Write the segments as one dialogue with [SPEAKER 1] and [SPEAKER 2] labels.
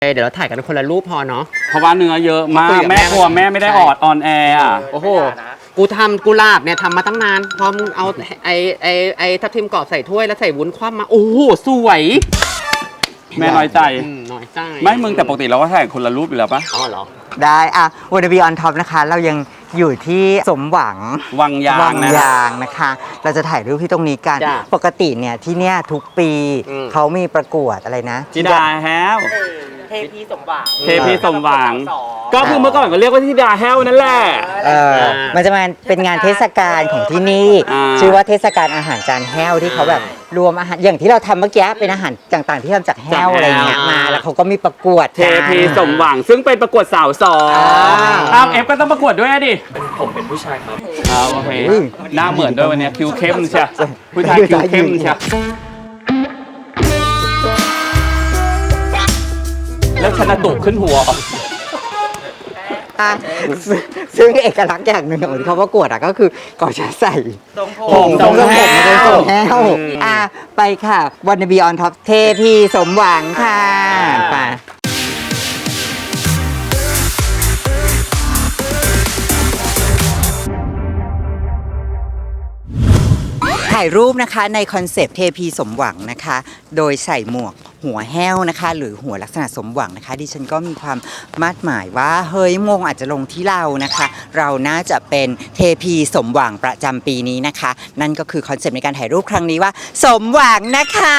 [SPEAKER 1] เดี๋ยวเราถ่ายกันคนละรูปพอเนาะ
[SPEAKER 2] เพราะว่าเนื้อเยอะมากแม่กลัวแม่ไม่ได้ออนแอร์อ่ะ
[SPEAKER 1] โอ้โหกูทำกุหลาบเนี่ยทำมาตั้งนานพอมึงเอาไอ้ทับทิมกรอบใส่ถ้วยแล้วใส่วุ้นคว่ำมาโอ้โหสวย
[SPEAKER 2] แม่น้อยใจ
[SPEAKER 1] น้อยใจ
[SPEAKER 2] ไม่มึงแต่ปกติเราก็ถ่ายคนละรูปอยู่แล้วปะ
[SPEAKER 1] อ๋อเหรอ
[SPEAKER 3] ได้อะวันบีออนท็อปนะคะเรายังอยู่ที่สมหวัง
[SPEAKER 2] วังยาง
[SPEAKER 3] นะคะ เราจะถ่ายรูปที่ตรงนี้กันปกติเนี่ยที่เนี่ยทุกปีเขามีประกวดอะไรนะ
[SPEAKER 2] ธิดาแฮว
[SPEAKER 1] เทพีสมหวัง
[SPEAKER 2] ก็คือเมื่อก่อนก็เรียกว่าธิดาแฮวนั่นแหละ
[SPEAKER 3] มันจะมาเป็นงานเทศกาลของที่นี่ชื่อว่าเทศกาลอาหารจานแห้วที่เขาแบบรวมอาหารอย่างที่เราทำเมื่อกี้เป็นอาหารต่างๆที่ทำจากแห้วอะไรเงี้ยมาแล้วเขาก็มีประกวด
[SPEAKER 2] เทพีสมหวังซึ่งเป็นประกวดสาวสองเอฟก็ต้องประกวดด้วยดิ
[SPEAKER 1] ผมเป็นผู้ชายครับ
[SPEAKER 2] โอเคหน้าเหมือนด้วยวันนี้คิวเข้มใช่ผู้ชายคิวเข้มใช่แล้วชนะตุกขึ้นหัว
[SPEAKER 3] ซึ่งเอกลักษณ์อย่างหนึ่งของที่เขาประกวดก็คือก่อนจะใส่
[SPEAKER 1] ทรงแห้
[SPEAKER 3] วไปค่ะวันบีออนท็อปเทพีสมหวังค่ะไปถ่ายรูปนะคะในคอนเซปต์เทพีสมหวังนะคะโดยใส่หมวกหัวแห้วนะคะหรือหัวลักษณะสมหวังนะคะดิฉันก็มีความมาดหมายว่าเฮ้ยมงอาจจะลงที่เรานะคะเราน่าจะเป็นเทพีสมหวังประจำปีนี้นะคะนั่นก็คือคอนเซปต์ในการถ่ายรูปครั้งนี้ว่าสมหวังนะคะ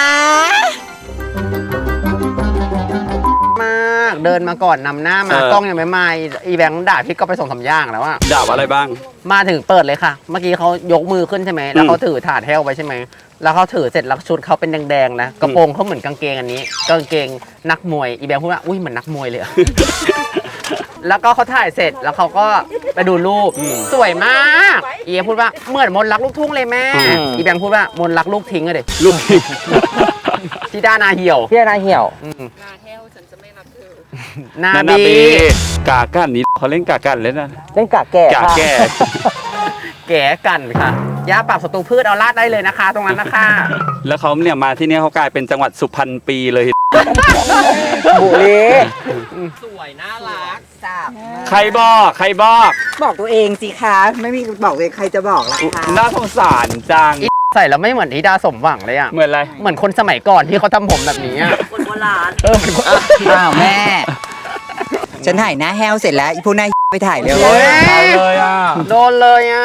[SPEAKER 1] มากเดินมาก่อนนำหน้ามากล้องยังไม่มาอีแบงค์ด่าพี่ก็ไปส่ง3 อย่างแล้วอะ
[SPEAKER 2] ด่าอะไรบ้าง
[SPEAKER 1] มาถึงเปิดเลยค่ะเมื่อกี้เขายกมือขึ้นใช่ไหมแล้วเขาถือถาดแห้วไปใช่ไหมแล้วเขาถือเสร็จแล้วชุดเขาเป็นแดงๆนะกระโปรงเขาเหมือนกางเกงอันนี้กางเกงนักมวยอีแบงค์พูดว่าอุ้ยเหมือนนักมวยเลย แล้วก็เขาถ่ายเสร็จแล้วเขาก็ไปดูรูปสวยมากอีพูดว่าเหมือนมนต์รักลูกทุ่งเลยแม่อีแบงค์พูดว่ามนต์รักลูกทิ้งอะเด็ก
[SPEAKER 2] ลูกทิ้ง
[SPEAKER 1] ที่ด้านาเหี่ยว
[SPEAKER 3] นาแห้วฉันจะไม่รับเธอ
[SPEAKER 1] นาบี
[SPEAKER 2] กากันนี้เขาเล่นกากันเลยนะ
[SPEAKER 3] เล่นกาแก่
[SPEAKER 1] แก่กันค่ะยาปรับศัตรูพืชเอาลาดได้เลยนะคะตรงนั้นนะคะ
[SPEAKER 2] แล้วเขาเนี่ยมาที่นี่เขากลายเป็นจังหวัดสุพรรณปีเลย
[SPEAKER 3] บุรี
[SPEAKER 1] สวยน่ารัก
[SPEAKER 2] ใครบอก
[SPEAKER 3] ตัวเองสิคะไม่มีบอกเลยใครจะบอกล่ะคะ
[SPEAKER 2] น่าสงสารจัง
[SPEAKER 1] ใส่แล้วไม่เหมือนธิดาสมหวังเลยอะ
[SPEAKER 2] เหมือนอะไร
[SPEAKER 1] เหมือนคนสมัยก่อนที่เขาทำผมแบบนี้คนโบราณ
[SPEAKER 3] แม่ฉันถ่ายหน้าแห้วเสร็จแล้วพวกหน้าไปถ่ายเร็ว
[SPEAKER 2] เลยอ่ะ
[SPEAKER 1] โดนเลยอ่ะ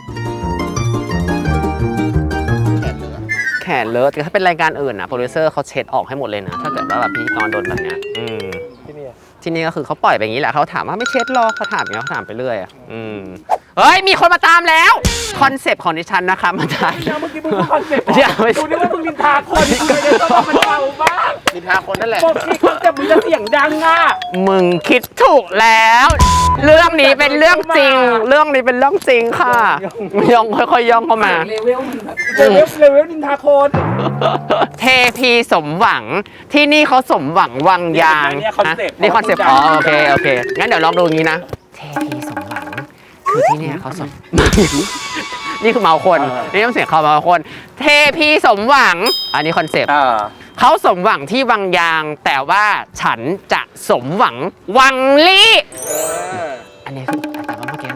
[SPEAKER 1] แขนเลอะแต่ถ้าเป็นรายการอื่นนะโปรดิวเซอร์เขาเช็ดออกให้หมดเลยนะถ้าเกิดว่าแบบพิธีกรโดนแบบเนี้ยที่นี่ก็คือเขาปล่อยไปอย่างนี้แหละเขาถามว่าไม่เช็ดหรอเขาถามอย่างนี้เขาถามไปเรื่อยเฮ้ยมีคนมาตามแล้วคอนเซปต์ของดิฉันนะคะมาถ่าย
[SPEAKER 2] เมื่อกี้มึงคอนเซปต์กูนึกว่ามึงนินทาคนมึงเลยต้องมันเบาบ้าง
[SPEAKER 1] นินทาคนนั่นแหละ
[SPEAKER 2] บอกที่คอนเซปต์มึงจะเสียงดังอ่ะ
[SPEAKER 1] มึงคิดถูกแล้วเรื่องนี้เป็นเรื่องจริงเรื่องนี้เป็นเรื่องจริงค่ะย่องค่อยๆย่องเข้ามา
[SPEAKER 2] เลเวลนินทาคน
[SPEAKER 1] เทพีสมหวังที่นี่เขาสมหวังวังยางนี่คอนเซปต์โอเคงั้นเดี๋ยวลองดูอย่างนี้นะเทพีสมหวังคือที่นี่เขาสมนี่คือเมาคนนี่ต้องเสียงเขาเมาคนเทพีสมหวังอันนี้คอนเซปต์เขาสมหวังที่วังยางแต่ว่าฉันจะสมหวังวังลี่อันนี้คือแต่ว่าเมื่อกี้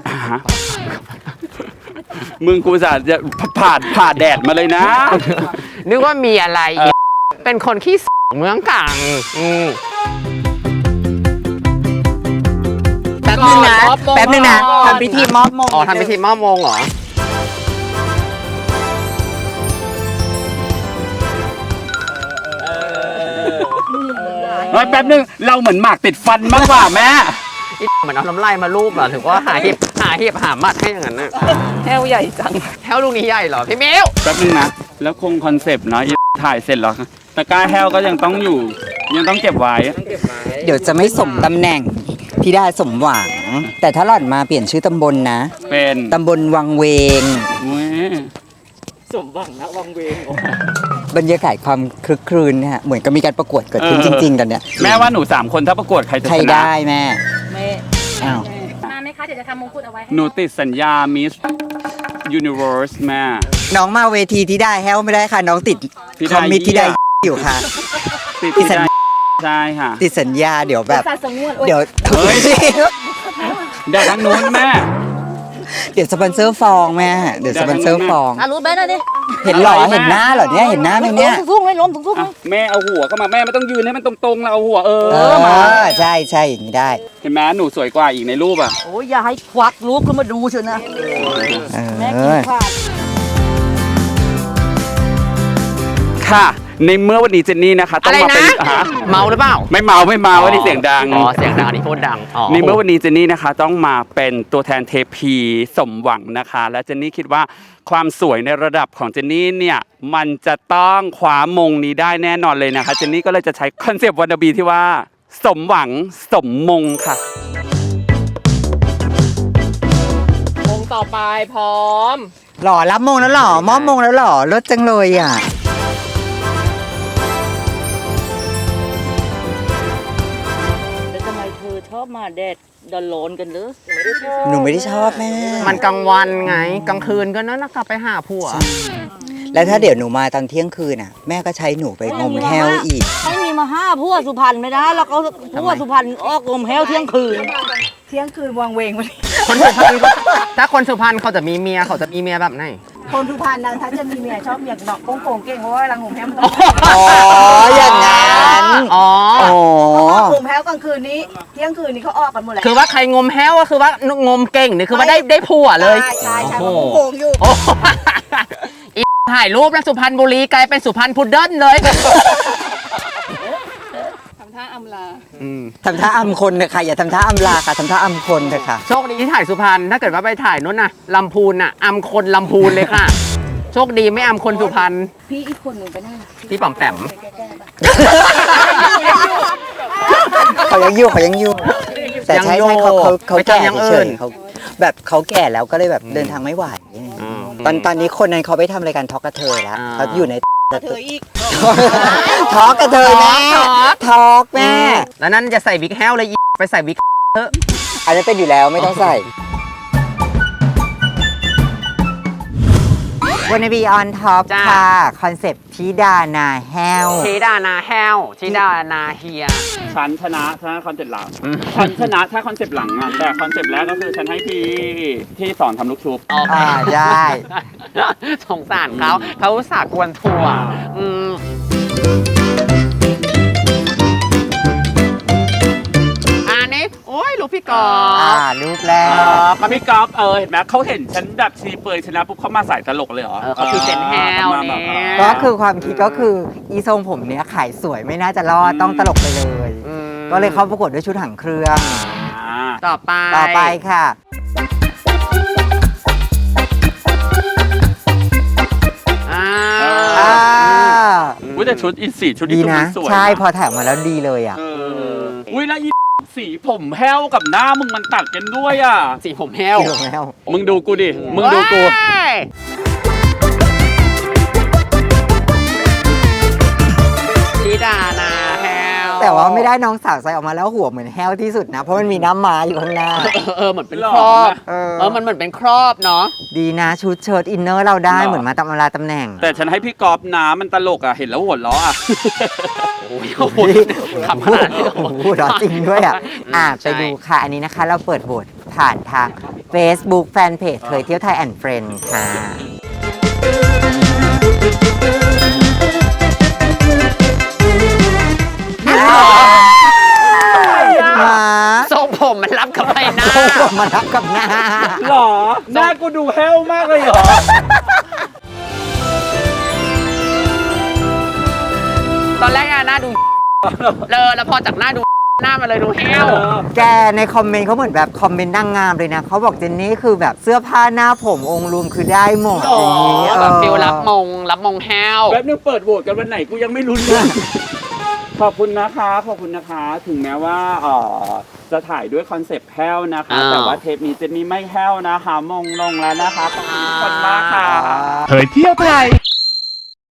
[SPEAKER 2] มึงกูจะผ่าแดดมาเลยนะ
[SPEAKER 1] นึกว่ามีอะไรเป็นคนขี้เมืองกลาง
[SPEAKER 3] แป๊บนึงนะทำพิธีมอบมง
[SPEAKER 1] ทำพิธีมอบมงเหรอ
[SPEAKER 2] แป๊บนึงเราเหมือนหมากติดฟันมากกว่าแม่
[SPEAKER 1] เหมือนเอาน้ำลายมาลูบเหรอถือว่าหาเห็บหามัดให้อย่างนั้นนะ
[SPEAKER 3] แห้วใหญ่จัง
[SPEAKER 1] แห้วลูกนี้ใหญ่เหรอพี่มิว
[SPEAKER 2] แป๊บนึงนะแล้วคงคอนเซปต์เนาะถ่ายเสร็จแล้วตะกร้าแห้วก็ยังต้องอยู่ยังต้องเก็บไว้
[SPEAKER 3] เดี๋ยวจะไม่สมตำแหน่งธิดาสมหวังแต่ถ้าหล่อนมาเปลี่ยนชื่อตำบลนะ
[SPEAKER 2] เป็น
[SPEAKER 3] ตำบลวังเวง
[SPEAKER 1] สมหวังนะวังเวง
[SPEAKER 3] บรรยากาศความคลึกครื้นเนี่ยเหมือนกับมีการประกวดเกิดขึ้นจริงๆกันเนี่ย
[SPEAKER 2] แม่ว่าหนู3 คนถ้าประกวดใครจะชนะ
[SPEAKER 3] ใครได้แม่
[SPEAKER 4] มาไหมคะเดี๋ยวจะทำมงกุฎเอาไว้
[SPEAKER 2] หนูติดสัญญามิสยูนิเวิร์สแม่
[SPEAKER 3] น้องมาเวทีที่ได้แฮวไม่ได้ค่ะน้องติดคอมมิตที่ได้อยู่ค่ะ
[SPEAKER 2] ติดใช่ค่ะ
[SPEAKER 3] ติดสัญญาเดี๋ยวแบบ
[SPEAKER 4] สัตว์สงวนโอ้ย
[SPEAKER 3] เดี๋ยว
[SPEAKER 2] เดี๋ยวทางนู้นแม่
[SPEAKER 3] เดี๋ยวสปอนเซอร์ฟองแม่เดี๋ยวสปอนเซอร์ฟอง
[SPEAKER 4] รู้ไหมนะนี่
[SPEAKER 3] เห็นเหรอเห็นหน้าเหรอเนี่ยเห็นหน้าไหมเนี่ย
[SPEAKER 4] สูงเลยล้มสูง
[SPEAKER 2] อ่ะแม่เอาหัวเข้ามาแม่ไม่ต้องยืนให้มันตรงๆเราเอาหัว
[SPEAKER 3] เอ
[SPEAKER 2] เออมา
[SPEAKER 3] อใช่ใช่อย่างนี้ได้
[SPEAKER 2] เห็นไหมหนูสวยกว่าอีกในรูปอ่ะ
[SPEAKER 4] โอ้ยอย่าให้ควักลูกขึ้นมาดูเชียวนะ แม่
[SPEAKER 3] เอ
[SPEAKER 4] กิน
[SPEAKER 3] อ
[SPEAKER 4] ขาด
[SPEAKER 2] ค่ะ ในเมื่อวันนี้เจนนี่นะคะต้อ
[SPEAKER 1] อะ
[SPEAKER 2] ง
[SPEAKER 1] ไร
[SPEAKER 2] มาเป็
[SPEAKER 1] นะ
[SPEAKER 2] นฮะ
[SPEAKER 1] เมาหรือเปล่า
[SPEAKER 2] ไม่เมาวันนี้เสียงดัง
[SPEAKER 1] อ๋อเสียงดังอันนี้พูดดังอ๋อ
[SPEAKER 2] ในเมื่อวันนี้เจนนี่นะคะต้องมาเป็นตัวแทนเทพีสมหวังนะคะ และเจนนี่คิดว่าความสวยในระดับของเจนนี่เนี่ยมันจะต้องคว้ามงนี้ได้แน่นอนเลยนะคะเจนนี่ก็เลยจะใช้คอนเซปต์วันบีที่ว่าสมหวังสมมงค่ะ
[SPEAKER 1] มงต่อไปพร้อม
[SPEAKER 3] หล่อรับมงแล้วหล่อมอบมงแล้วหล่อรถจังเลยอ่ะ
[SPEAKER 4] แล้วทำไมเธอชอบมาแดดดอนโลนกันหรือ
[SPEAKER 3] หนูไม่ได้ชอบแม่
[SPEAKER 1] มันกลางวันไงกลางคืนก็นั่นนะกลับไปหาผัว
[SPEAKER 3] แล้วถ้าเดี๋ยวหนูมาตอนเที่ยงคืนอ่ะ แม่ก็ใช้หนูไปงมแห้วอีก
[SPEAKER 4] ไม่มีมาห้าพวกสุพรรณไม่ได้แล้วเขาพวกสุพรรณออกลมแห้วเที่ยงคืน
[SPEAKER 5] เที่ยงคืนวางเวงวันนี้
[SPEAKER 1] คนสุพรรณถ้าคนสุพรรณเขาจะมีเมียเขาจะมีเมียแบบไหน
[SPEAKER 5] คนสุพรรณนะถ้าจะมีเมียชอบอย่างดอกโป่งๆเก่งเพราะว่ารังผมแฮมต้อง
[SPEAKER 3] อ๋ออย่างนั้น
[SPEAKER 1] อ๋อ
[SPEAKER 3] อ๋อ
[SPEAKER 5] ผมแฮมกลางคืนนี้ เที่ยงคืนนี้เขาออกกันหมดแล้ว
[SPEAKER 1] คือว่าใครงมแห้วก็คือว่างมเก่งนี่คือว่าได้ผัวเลย
[SPEAKER 5] ใช่เพ
[SPEAKER 1] โอ้
[SPEAKER 5] ราะ
[SPEAKER 1] โห
[SPEAKER 5] โป่งอยู่
[SPEAKER 1] โอ้โหอีถ่ายรูปแล้วสุพรรณบุรีกลายเป็นสุพรรณพุดเดิ้ลเลย
[SPEAKER 5] ทำท่าอำลา
[SPEAKER 3] ทำท่าอำคนเถอะค่ะอย่าทำท่าอำลาค่ะทำท่าอำคนเถอะค่ะ
[SPEAKER 1] โชคดีที่ถ่ายสุพรรณถ้าเกิดว่าไปถ่ายนู้นน่ะลำพูนน่ะอำคนลำพูนเลยค่ะ โชคดีไม่อำคนสุพรรณ
[SPEAKER 5] พี่อีกคนหนึ่งไปนั่ง
[SPEAKER 1] พี่ป๋อมแปม
[SPEAKER 3] เขายังอยู่แต่ใช่ใช่เขาแก่เฉยๆเขาแบบเขาแก่แล้วก็เลยแบบเดินทางไม่ไหวตอนนี้คนนั้นเขาไปทำรายการทอกกระเทยแล้วเขาอยู่ใน
[SPEAKER 5] เธออีก
[SPEAKER 3] ทอกกระเทยแม่ทอกแม่
[SPEAKER 1] แล้วนั่นจะใส่บิ๊กแฮวเลยอีไปใส่บิ๊ก
[SPEAKER 3] อันนั้นเป็นอยู่แล้วไม่ต้องใส่วันบีออนท็อปค่ะคอนเซปต์ธิดานาแห้ว
[SPEAKER 1] ธิดานาแฮวธิดานาเฮีย
[SPEAKER 2] ฉันชนะถ้าคอนเซ็ปต์หลังฉันชนะถ้าคอนเซ็ปต์หลังอ่ะแต่คอนเซ็ปต์แรกก็คือฉันให้พี่ที่สอนทำลูกชุบ
[SPEAKER 1] โอเค
[SPEAKER 3] ได้
[SPEAKER 1] สงสารเขาอุตส่าห์กวนทัวร์อันนี้โอ้ยลูกพี่กอล์ฟ
[SPEAKER 3] รูปแรก
[SPEAKER 2] พี่ก๊อฟเห็นไหมเขาเห็นฉันแบบชีเปยชนะปุ๊บเขามาใส่ตลกเลยเหรอ
[SPEAKER 1] เขาพรีเซนต์แฮว
[SPEAKER 2] มาแบบ
[SPEAKER 1] เนี่ย
[SPEAKER 3] ก็คือความคิดก็คืออีทรงผมเนี้ยขายสวยไม่น่าจะรอดต้องตลกไปเลย ก็เลยเข้าประกวดด้วยชุดหางเครื่อง
[SPEAKER 1] ต่อไป
[SPEAKER 3] ค่ะ
[SPEAKER 2] อุ้ยแต่ชุดอีสีชุด
[SPEAKER 3] ดี
[SPEAKER 2] นี้
[SPEAKER 3] นะ
[SPEAKER 2] สวย
[SPEAKER 3] ใช่พอถ่ายมาแล้วดีเลยอ่ะ
[SPEAKER 2] อุ้ยแล้วอีสีผมแห้วกับหน้ามึงมันตัดกันด้วยอ่ะ
[SPEAKER 1] สีผมแฮว
[SPEAKER 3] ดีลงแล้ว
[SPEAKER 2] มึงดูกูดิ มึงดูกู
[SPEAKER 1] ว้ายธิดานาแฮว
[SPEAKER 3] แต่ว่าไม่ได้น้องสาวใส่ออกมาแล้วหัวเหมือนแห้วที่สุดนะ เพราะมันมีน้ำม้าอยู่ข้างหน้า
[SPEAKER 1] เหมือนเป็นครอบ มันเหมือนเป็นครอบเนาะ
[SPEAKER 3] ดีนะชุดเชิ้ตอินเนอร์เราได้
[SPEAKER 2] หรอ
[SPEAKER 3] เหมือนมาตำราตำแหน่ง
[SPEAKER 2] แต่ฉันให้พี่กอฟน้ำมันตลกอ่ะ เห็นแล้วหัวเราะอ่ะ
[SPEAKER 1] โอ้ยขำขนาดนี้
[SPEAKER 3] โอ้โหร้อนจริงด้วยอ่ะ ไปดูค่ะ อันนี้นะคะ เราเปิดโหวตผ่านทาง Facebook Fanpage เคยเที่ยวไทยแอนด์เฟรนด์ค่ะมา
[SPEAKER 1] ทรงผมมันรับกับใบหน้า
[SPEAKER 3] ผมมารับกับหน้า
[SPEAKER 2] หรอ หน้ากูดูแห้วมากเลยเหรอ
[SPEAKER 1] ตอนแรกอะหน้าดูแล้วพอจากหน้าดูหน้ามาเลยดูแห้ว
[SPEAKER 3] แกในคอมเมนต์เขาเหมือนแบบคอมเมนต์นางงามเลยนะเขาบอกเจนนี่คือแบบเสื้อผ้าหน้าผมองค์รวมคือได้หมดอย่างนี้
[SPEAKER 1] แบบฟิลรับมงแห้ว
[SPEAKER 2] แป๊บนึงเปิดโหวตกันวันไหนกูยังไม่รู้เรื่อง ขอบคุณนะคะ ขอบคุณนะคะ ถึงแม้ว่าจะถ่ายด้วยคอนเซปต์แห้วนะคะ แต่ว่าเทปนี้เจนนี่ไม่แห้วนะคะ มงลงแล้วนะคะ ขอบคุณทุกคนมากค่ะ
[SPEAKER 6] เผยเที่ยวไทย